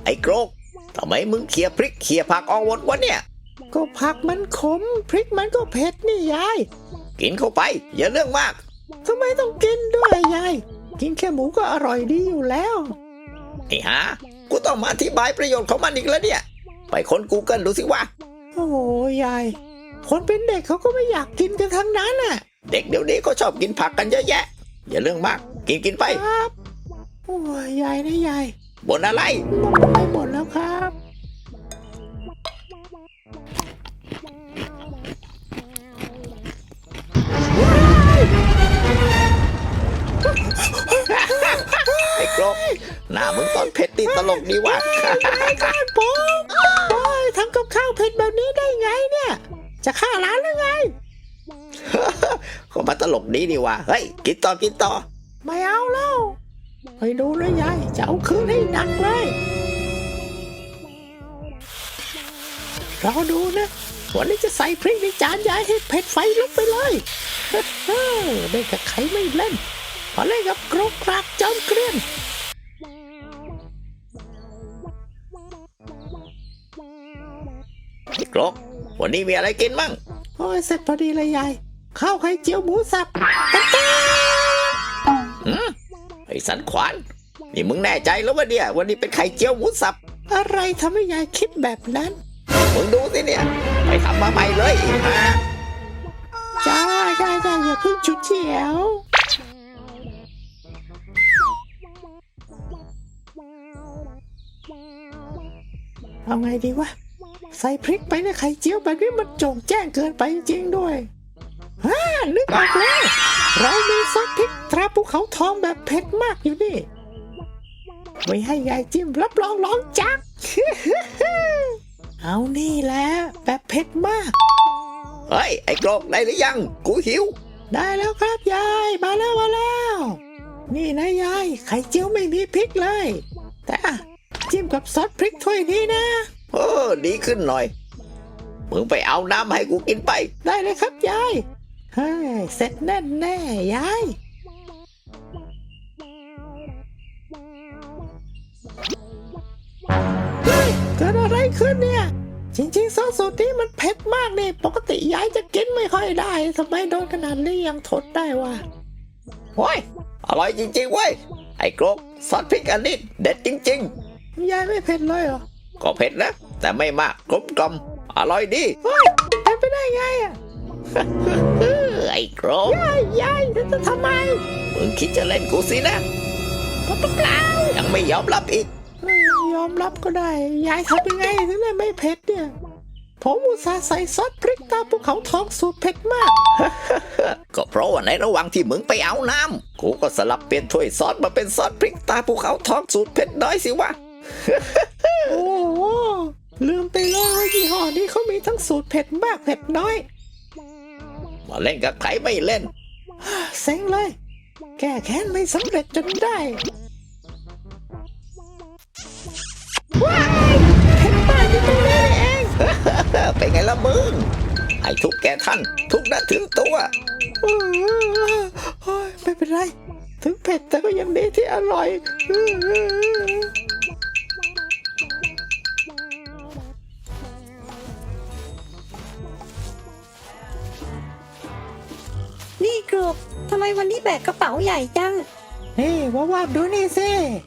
ไอ้โกรกทำไมมึงเขี่ยพริกเขี่ยผักออกหมดวะเนี่ยก็ผักมันขมพริกมันก็เผ็ดนี่ยายกินเข้าไปอย่าเรื่องมากทำไมต้องกินด้วยยายกินแค่หมูก็อร่อยดีอยู่แล้วไอ้ห่ากูต้องมาอธิบายประโยชน์ของมันอีกแล้วเนี่ยไปค้น Google ดูสิว่าโอ้ยายคนเป็นเด็กเขาก็ไม่อยากกินกันทั้งนั้นน่ะเด็กเดี๋ยวนี้ก็ชอบกินผักกันเยอะแยะอย่าเรื่องมากกินไปครับโอ้ยยายนะยายบ่นอะไรไม่บ่นแล้วครับไอ้โกรกหน้ามึงตอนเผ็ดตีตลกดีว่ะผมโอ้ยทำกับข้าวเผ็ดแบบนี้ได้ไงเนี่ยจะฆ่าร้านหรือไงก็มาตลกดีดีว่ะเฮ้ยกินต่อไม่เอาแล้วไปดูเลยยายจะเอาคืนให้หนักเลยรอดูนะวันนี้จะใส่พริกในจานยายให้เผ็ดไฟลุกไปเลยเล่นกับใครไม่เล่นพอเล่นกับกรกกรากจอมเกลียนไอ้โกรกวันนี้มีอะไรกินมั่งโอ้ยเสร็จพอดีเลยยายข้าวไข่เจียวหมูสับไอ้สันขวานนี่มึงแน่ใจแล้วว่าเนี่ยวันนี้เป็นไข่เจียวหมูสับอะไรทำให้ยายคิดแบบนั้นมึงดูสิเนี่ยไปทำมาใหม่เลยจ้าอย่าเพิ่งฉุดเฉียวเอาไงดีวะใส่พริกไปในไข่เจียวแบบนี้มันโจ่งแจ้งเกินไปจริงๆด้วยนึกออกแล้วเรามีซอสพริกตราภูเขาทองแบบเผ็ดมากอยู่นี่ไว้ให้ยายจิ้มรับรองร้องจัก เอานี่แหละแบบเผ็ดมากเฮ้ยไอ้โกรกได้หรือยังกูหิวได้แล้วครับยายมาแล้วนี่นะยายไข่เจียวไม่มีพริกเลยแต่จิ้มกับซอสพริกถ้วยนี้นะดีขึ้นหน่อยมึงไปเอาน้ำให้กูกินไปได้เลยครับยายเสร็จแน่ยายเกิดอะไรขึ้นเนี่ยจริงๆซอสสูตรนี้มันเผ็ดมากนี่ปกติยายจะกินไม่ค่อยได้ทำไมโดนขนาดนี้ยังทนได้วะโอ้ยอร่อยจริงๆเว้ยไอ้โกรกซอสพริกอันนี้เด็ดจริงๆยายไม่เผ็ดเลยเหรอก็เผ็ดนะแต่ไม่มากกลมอร่อยดีเป็นไปได้ไงอ่ะไอ้โกรกยายจะทำไมมึงคิดจะเล่นกูสินะเปล่ายังไม่ยอมรับอีกยอมรับก็ได้ยายทำยังไงถึงได้ไม่เผ็ดเนี่ยผมอุตส่าห์ใส่ซอสพริกตาภูเขาทองสูตรเผ็ดมากก็เพราะว่าในระหว่างที่มึงไปเอาน้ำกูก็สลับเปลี่ยนถ้วยซอสมาเป็นซอสพริกตาภูเขาทองสูตรเผ็ดน้อยสิวะโอ้ลืมไปเลยยี่ห้อนี้เขามีทั้งสูตรเผ็ดมากเผ็ดน้อยมาเล่นกับใครไม่เล่นเซ็งเลยแก้แค้นไม่สำเร็จจนได้ว้ายเผ็ดมากที่ตรงนี้เองเป็นไงล่ะมึงให้ทุกแกท่านทุกนัดถึงตัวไม่เป็นไรถึงเผ็ดแต่ก็ยังดีที่อร่อยนี่กรกทำไมวันนี้แบกกระเป๋าใหญ่จังนี่ว่าดูนี่สิ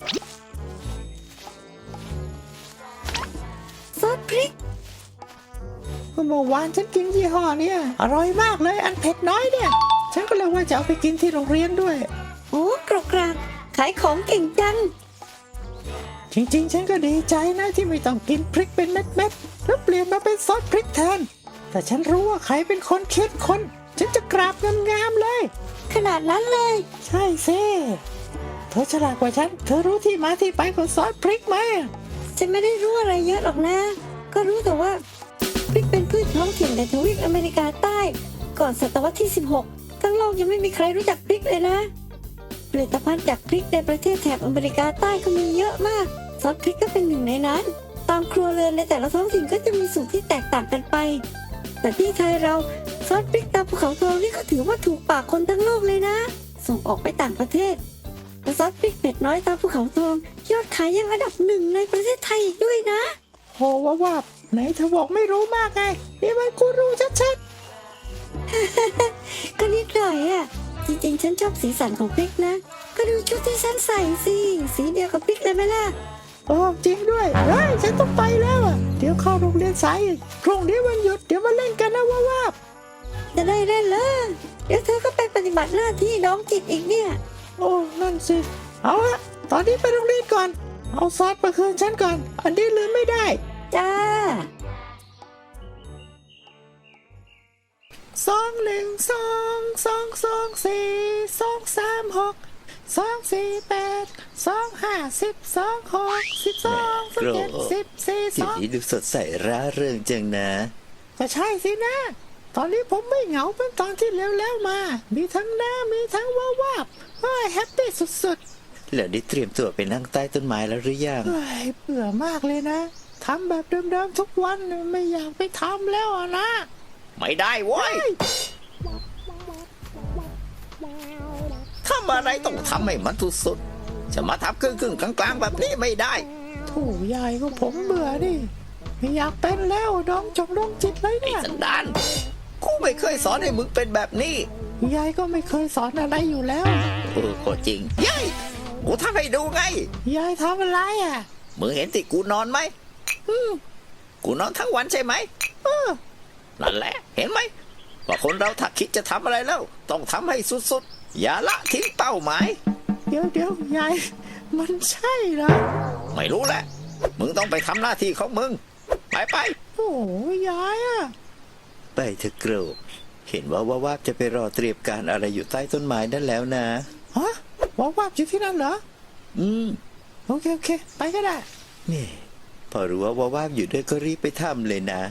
ซอสพริกเมื่อวานฉันกินยี่ห้อเนี่ยอร่อยมากเลยอันเผ็ดน้อยเนี่ยฉันก็เลยว่าจะเอาไปกินที่โรงเรียนด้วยโอ้กรกกรากขายของเก่งจังจริงๆฉันก็ดีใจนะที่ไม่ต้องกินพริกเป็นเม็ดๆแล้วเปลี่ยนมาเป็นซอสพริกแทนแต่ฉันรู้ว่าใครเป็นคนคิดคนฉันจะกราบงามๆเลยขนาดนั้นเลยใช่สิเธอฉลาดกว่าฉันเธอรู้ที่มาที่ไปของซอสพริกไหมฉันไม่ได้รู้อะไรเยอะหรอกนะก็รู้แต่ว่าพริกเป็นพืชท้องถิ่นในทวีปอเมริกาใต้ก่อนศตวรรษที่16ทั้งโลกยังไม่มีใครรู้จักพริกเลยนะผลิตภัณฑ์จากพริกในประเทศแถบอเมริกาใต้ก็มีเยอะมากซอสพริกก็เป็นหนึ่งในนั้นตามครัวเรือนในแต่ละท้องถิ่นก็จะมีสูตรที่แตกต่างกันไปแต่ที่ไทยเราซอสพริกตาภูเขาทองนี่ก็ถือว่าถูกปากคนทั้งโลกเลยนะส่งออกไปต่างประเทศซอสพริกเผ็ดน้อยตาภูเขาทองยอดขายยังอันดับหนึ่งในประเทศไทยอีกด้วยนะโหว่าไหนเธอบอกไม่รู้มากไงนี่มันกูรู้ชัดก็นิดหน่อยอ่ะ จริงๆ ฉันชอบสีสันของพริกนะ ก็ดูชุดที่ฉันใส่สิ สีเดียวกับพริกเลยไหมล่ะๆโอ้จริงด้วยเฮ้ยฉันต้องไปแล้วอ่ะเดี๋ยวเข้าโรงเรียนสายอีกพรุ่งนี้วันหยุดเดี๋ยวมาเล่นกันนะว่าจะได้เล่นเลยเดี๋ยวเธอก็ไปปฏิบัติหน้าที่น้องจิตอีกเนี่ยโอ้นั่นสิเอาละตอนนี้ไปโรงเรียนก่อนเอาซอสมาคืนฉันก่อนอันนี้ลืมไม่ได้จ้า 21224236248251026121714 ทีนี้ดูสดใสร่าเริงจังนะก็ใช่สินะ ตอนนี้ผมไม่เหงาเป็นตอนที่แล้วมา มีทั้งน้ำมีทั้งว่าบเฮ้ยแฮปปี้สุดแล้วได้เตรียมตัวไปนั่งใต้ต้นไม้แล้วหรือยังๆเฮ้ยเบื่อมากเลยนะทำแบบเดิมๆทุกวันไม่อยากไปทำแล้วอะนะไม่ได้เว้ยทำอะไรต้องทำให้มันสุดๆจะมาทำครึ่งๆกลางๆแบบนี้ไม่ได้โถูยายก็ผมเบื่อดิไม่อยากเป็นแล้วน้องจิตเลยไอ้เนี่ยสันดานกูไม่เคยสอนให้มึงเป็นแบบนี้ยายก็ไม่เคยสอนอะไรอยู่แล้วก็จริงยัยกูทำให้ดูไงยายทำอะไรอ่ะมึงเห็นที่กูนอนไหมกูนอนทั้งวันใช่ไหมนั่นแหละ เห็นไหมว่าคนเราถ้าคิดจะทำอะไรแล้ว ต้องทำให้สุดๆ อย่าละทิ้งเป้าหมายเดี๋ยวยายมันใช่เหรอไม่รู้แหละ มึงต้องไปทำหน้าที่ของมึง ไปโอ้ยายอ่ะไปเถอะโกรกเห็นว่าจะไปรอเตรียมการอะไรอยู่ใต้ต้นไม้นั่นแล้วนะฮะว่าอยู่ที่นั่นเหรอ โอเคไปก็ได้นี่พอรู้ว่าอยู่ด้วยก็รีบไปทำเลยนะ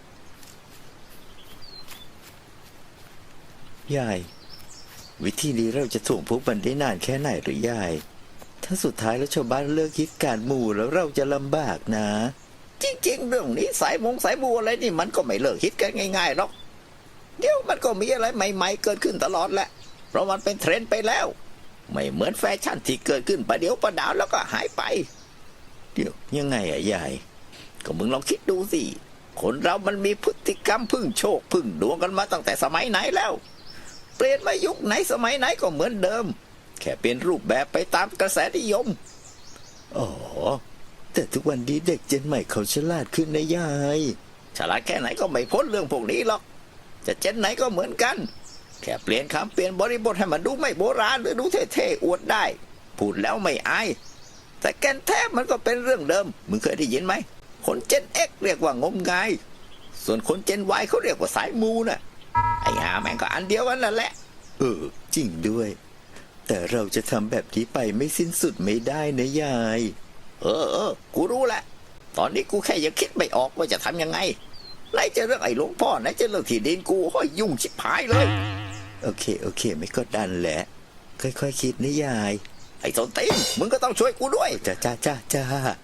ยาย วิธีนี้เราจะถ่วงพวกมันได้นานแค่ไหนหรือยาย ถ้าสุดท้ายแล้วชาวบ้านเลิกคิดการหมู่แล้วเราจะลำบากนะ จริงๆเรื่องนี้สายบูอะไรนี่มันก็ไม่เลิกคิดกันง่ายๆหรอกเดี๋ยวมันก็มีอะไรใหม่ๆเกิดขึ้นตลอดแหละเพราะมันเป็นเทรนด์ไปแล้ว ไม่เหมือนแฟชั่นที่เกิดขึ้นประเดี๋ยวประดาวแล้วก็หายไปเดี๋ยวยังไงอะยายก็มึงลองคิดดูสิคนเรามันมีพฤติกรรมพึ่งโชคพึ่งดวงกันมาตั้งแต่สมัยไหนแล้วเปลี่ยนมายุคไหนสมัยไหนก็เหมือนเดิมแค่เปลี่ยนรูปแบบไปตามกระแสนิยมอ๋อแต่ทุกวันนี้เด็กเจนใหม่เขาฉลาดขึ้นนะยายฉลาดแค่ไหนก็ไม่พ้นเรื่องพวกนี้หรอกจะเจนไหนก็เหมือนกันแค่เปลี่ยนคำเปลี่ยนบริบทให้มันดูไม่โบราณหรือดูเท่ๆอวดได้พูดแล้วไม่อายแต่แกนแท้มันก็เป็นเรื่องเดิมมึงเคยได้ยินไหมคนเจน X เรียกว่างมงายส่วนคนเจน Y เขาเรียกว่าสายมูน่ะไอ้ห่าแม่งก็อันเดียวกันนั่นแหละจริงด้วยแต่เราจะทำแบบนี้ไปไม่สิ้นสุดไม่ได้นะยายกูรู้แหละตอนนี้กูแค่ยังคิดไม่ออกว่าจะทำยังไงไหนจะเรื่องไอ้หลวงพ่อไหนจะเรื่องที่ดินกูห้อยยุ่งชิบหายเลยโอเคไม่กดดันแหละค่อยๆคิดนะยายไอ้ส้นตีนมึงก็ต้องช่วยกูด้วยจ้า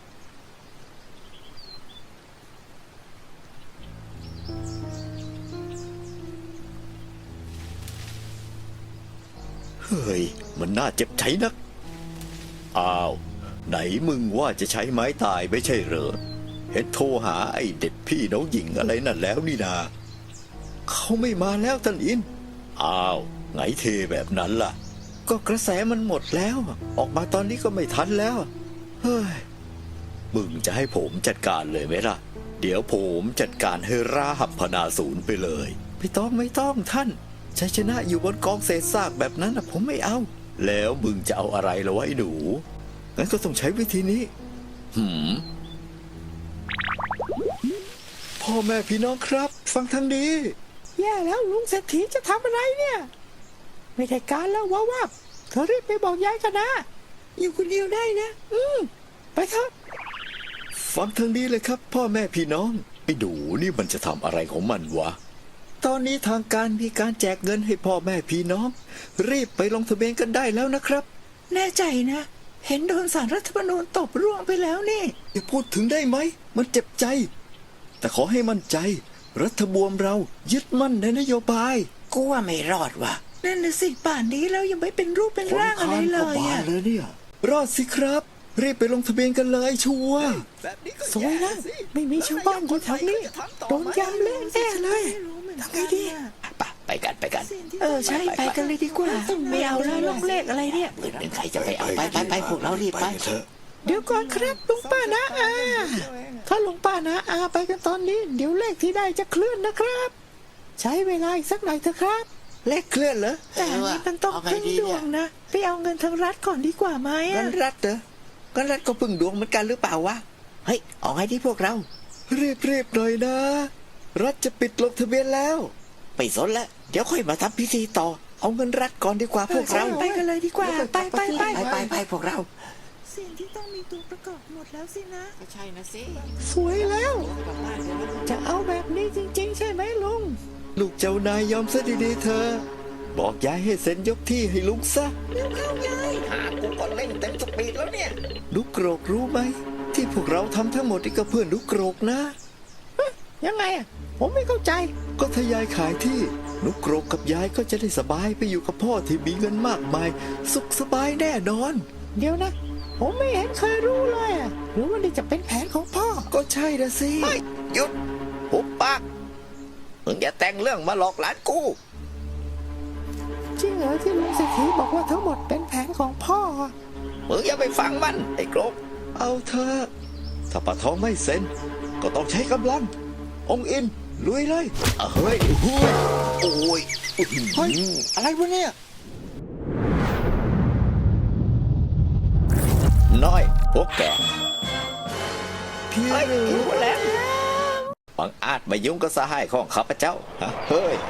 เฮ้ยมันน่าเจ็บใจนักอ้าวไหนมึงว่าจะใช้ไม้ตายไม่ใช่เหรอเห็นโทรหาไอ้เด็ดพี่น้องหญิงอะไรนั่นแล้วนี่นาเขาไม่มาแล้วท่านอินอ้าวไงเทแบบนั้นล่ะก็กระแสมันหมดแล้วออกมาตอนนี้ก็ไม่ทันแล้วเฮ้ยมึงจะให้ผมจัดการเลยไหมล่ะเดี๋ยวผมจัดการให้ราหับพนาศูนย์ไปเลยไม่ต้องท่านชัยชนะอยู่บนกองเศษซากแบบนั้นนะผมไม่เอาแล้วมึงจะเอาอะไรล่ะวะไอ้หนูงั้นก็ต้องใช้วิธีนี้พ่อแม่พี่น้องครับฟังทางนี้แย่แล้วลุงเศรษฐีจะทำอะไรเนี่ย ไม่ได้การแล้วว่าเธอรีบไปบอกยายกันนะอยู่คนเดียวได้นะไปเถอะฟังทางนี้เลยครับพ่อแม่พี่น้องไอ้ดูนี่มันจะทำอะไรของมันวะตอนนี้ทางการมีการแจกเงินให้พ่อแม่พี่น้องรีบไปลงทะเบียนกันได้แล้วนะครับแน่ใจนะ เห็นโดนศาลรัฐธรรมนูญตบร่วงไปแล้วนี่อย่าพูดถึงได้ไหมมันเจ็บใจแต่ขอให้มั่นใจรัฐบวมเรายึดมั่นในนโยบายกูว่าไม่รอดว่ะนั่นน่ะสิป่านนี้แล้วยังไม่เป็นรูปเป็นร่างอะไรเลยอะเลยเนี่ย รอดสิครับ รีบไปลงทะเบียนกันเลยชัวร์สวยแล้วไม่มีชาวบ้านอยู่แถวนี้โดนยำเละแน่เลยทำไงดีไปกันไปกันใช่ไปกันเลยดีกว่าไม่เอาแล้วลงเลขอะไรเนี่ยเป็นใครจะไปเอาไปพวกเรารีบไปเดี๋ยวก่อนครับลุงป้านะอาถ้าลุงป้านะอาไปกันตอนนี้ เดี๋ยวเลขที่ได้จะเคลื่อนนะครับ ใช้เวลาอีกสักหน่อยเถอะครับเลขเคลื่อนเหรอแต่อันนี้มันต้องพึ่งดวงนะไปเอาเงินทางรัฐก่อนดีกว่าไหมกัอะนรัฐเหรอกันรัฐก็พึ่งดวงเหมือนกันหรือเปล่าวะ เฮ้ยเอาไงที่พวกเรา รีบหน่อยนะ รัฐจะปิดลงทะเบียนแล้วไปสนแล้วเดี๋ยวค่อยมาทำพิธีต่อ เอาเงินรัฐก่อนดีกว่าพวกเราไปกันเลยดีกว่าไปไปพวกเราสิ่งที่ต้องมีตัวประกอบหมดแล้วสินะก็ใช่นะสิสวยแล้ว จะเอาแบบนี้จริงๆ ใช่ไหมลุงลูกเจ้านายยอมซะดีๆเธอ บอกยายให้เซ็นยกที่ให้ลุงซะเร็วเข้ายายกูก็เล่นเต็มสปีดแล้วเนี่ยลูกโกรกรู้ไหม ที่พวกเราทำทั้งหมดนี่ก็เพื่อนลูกโกรกนะยังไงอ่ะ ผมไม่เข้าใจก็ถ้ายายขายที่ลูกโกรกกับยายก็จะได้สบายไปอยู่กับพ่อที่มีเงินมากมาย สุขสบายแน่นอนเดี๋ยวนะ ผมไม่เห็นเคยรู้เลยอ่ะหรือว่านี่จะเป็นแผนของพ่อก็ใช่นะสิหยุดหุบปากมึงอย่าแต่งเรื่องมาหลอกหลานกูจริงเหรอที่ลุงเศรษฐีบอกว่าทั้งหมดเป็นแผนของพ่ออะมึงอย่าไปฟังมันไอ้โกรกเอาเถอะถ้าปะทองไม่เซ็น ก็ต้องใช้กำลัง องค์อินลุยเลยเฮ้ยโอ้ยโอ้ยเฮ้ยอะไรวะเนี่ยน้อยพวกแกพี่รู้แล้วบังอาจมายุ่งกับสหายของข้าพเจ้าเฮ้ย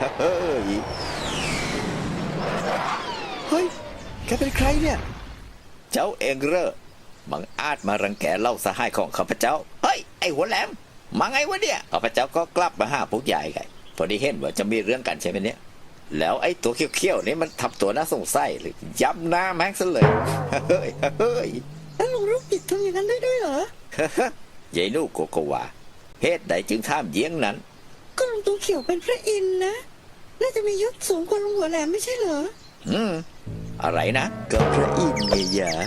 เฮ้ยแกเป็นใครเนี่ย เจ้าเองเหรอบังอาจมารังแกเล่าสหายของข้าพเจ้าเฮ้ยไอ้หัวแหลมมาไงวะเนี่ยข้าพเจ้าก็กลับมาหาพวกใหญ่ไงพอดีเห็นว่าจะมีเรื่องกันใช่ไหมเนี่ยแล้วไอ้ตัวเขี้ยวๆนี่มันทำตัวน่าสงสัยเลยย้ำหน้าแม่งซะเลยเฮ้ยแล้วลุงลูกจิตทำอย่างนั้นได้ด้วยเหรอยายนูโกโกวาเหตุใดจึงท่ามเยียงนั้นก็ลุงตัวเขียวเป็นพระอินทร์นะน่าจะมียศสูงกว่าลุงหัวแหลมไม่ใช่เหรออะไรนะก็พระอินทร์ไงยะ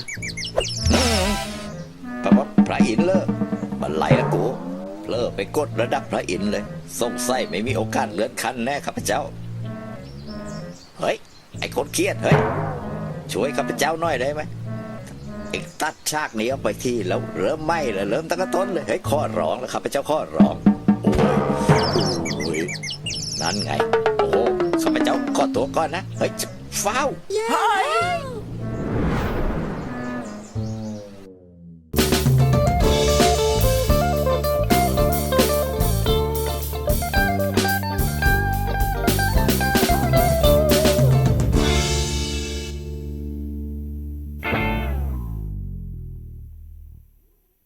แปลว่าพระอินทร์เลอมันไหลละกูเลอไปกดระดับพระอินทร์เลยสงสัยไม่มีโอกาสเลื่อนขั้นแน่ข้าพเจ้าเฮ้ยไอ้คนเครียดเฮ้ยช่วยข้าพเจ้าหน่อยได้ไหมเอ็งตัดฉากนี้เอาไปที่แล้วเริ่มไหม้เลยเริ่มตั้งแต่ต้นเลยเฮ้ยข้อร้องแล้วข้าพเจ้าข้อร้องโอ้ยนั่นไงโอ้ข้าพเจ้าขอตัวก่อนนะเฮ้ยฟ้าวเฮ้ย